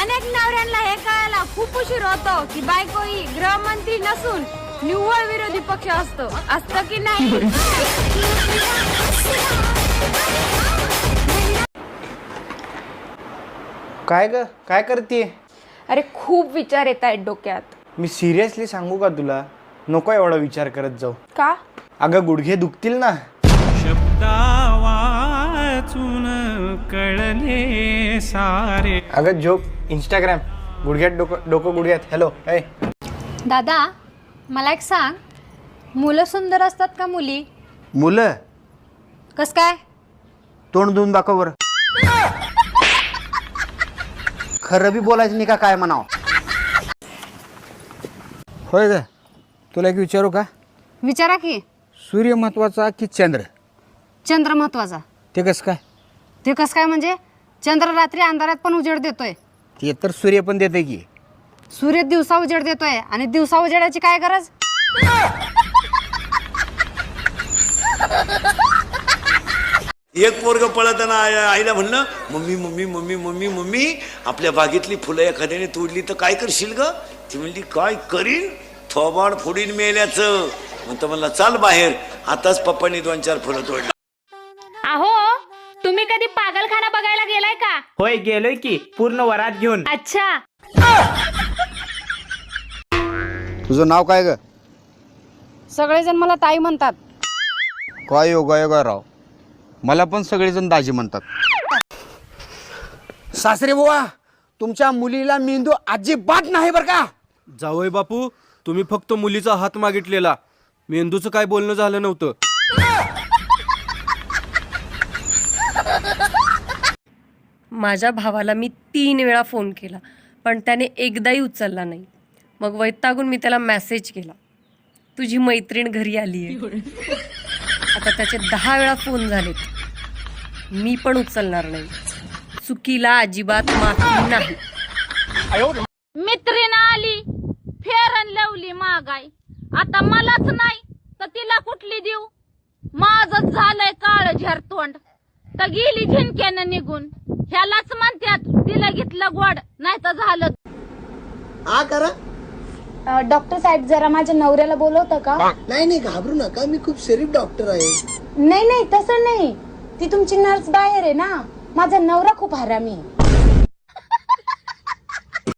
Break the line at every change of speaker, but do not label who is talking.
अनेक नवऱ्यांना हे कळायला खूप उशीर होतो की बायको ही गृहमंत्री नसून निव्वळ विरोधी पक्ष असतो. असतं की नाही?
काय ग, काय करतीये?
अरे खूप विचार येत आहेत डोक्यात.
मी सिरियसली सांगू का तुला, नको एवढा विचार करत जाऊ.
का?
अगं गुडघे दुखतील ना.
शब्दा वाचून कळले सारे.
अगं जोक, इंस्टाग्राम, गुडघ्यात डोकं गुडघ्यात. हॅलो ए
दादा, मला एक सांग, मुलं सुंदर असतात का मुली?
मुलं
कस काय?
तोंड धुवून दाखव बरं. खरं बी बोलायचं नाही का काय म्हणावं? होय ग, तुला एक विचारू का?
विचारा की.
सूर्य महत्वाचा की चंद्र?
चंद्र महत्वाचा.
ते कसं काय?
ते कसं काय म्हणजे? चंद्र रात्री अंधारात पण उजेड देतोय.
ते तर सूर्य पण देते की.
सूर्य दिवसा उजेड देतोय आणि दिवसा उजेडाची काय गरज?
एक पोरग पळताना आईला म्हणलं, mummy mummy mummy mummy mummy आपल्या बागेतली फुलं एखाद्याने तोडली तर काय करशील ग? ती म्हणली काय करीन, थोबाड फोडीन मेल्याचं. म्हणतो म्हणला चाल बाहेर, आताच पप्पांनी 2-4 फुलं तोडली.
अहो, तुम्ही कधी पागलखाना बघायला गेलाय का?
होय गेलोय की, पूर्ण वरात घेऊन.
अच्छा.
तुझं नाव काय ग?
सगळेजण मला ताई म्हणतात.
काय योगा राव, मला पण सगळेजण दाजी म्हणतात. सासरे बुवा, तुमच्या मुलीला मेंदू अजिबात नाही बरं का?
जावई बापू, तुम्ही फक्त मुलीचा हात मागितलेला, मेंदूचं काय बोलणं झालं नव्हतं.
माझ्या भावाला मी 3 वेळा फोन केला, पण त्याने एकदाही उचलला नाही. मग वैतागून मी त्याला मेसेज केला, तुझी मैत्रीण घरी आली आहे. आता त्याचे 10 वेळा फोन झालेत, मी पण उचलणार नाही. चुकीला अजिबात माफी नाही.
मित्रीण आली, फेरन लावली मागाय. आता मलाच नाही तर तिला कुठली देऊ? माझच झालंय काळ झरतोंड, तर गेली झिनक्यानं निघून. ह्यालाच म्हणतात तिला घेतलं गोड, नाही तर झालं.
डॉक्टर साहेब, जरा माझ्या नवऱ्याला बोलवतं का?
नाही घाबरू नका, मी खूप शरीफ डॉक्टर आहे.
नाही तसं नाही, ती तुमची नर्स बाहेर आहे ना. माझा नवरा खूप हरामी आहे.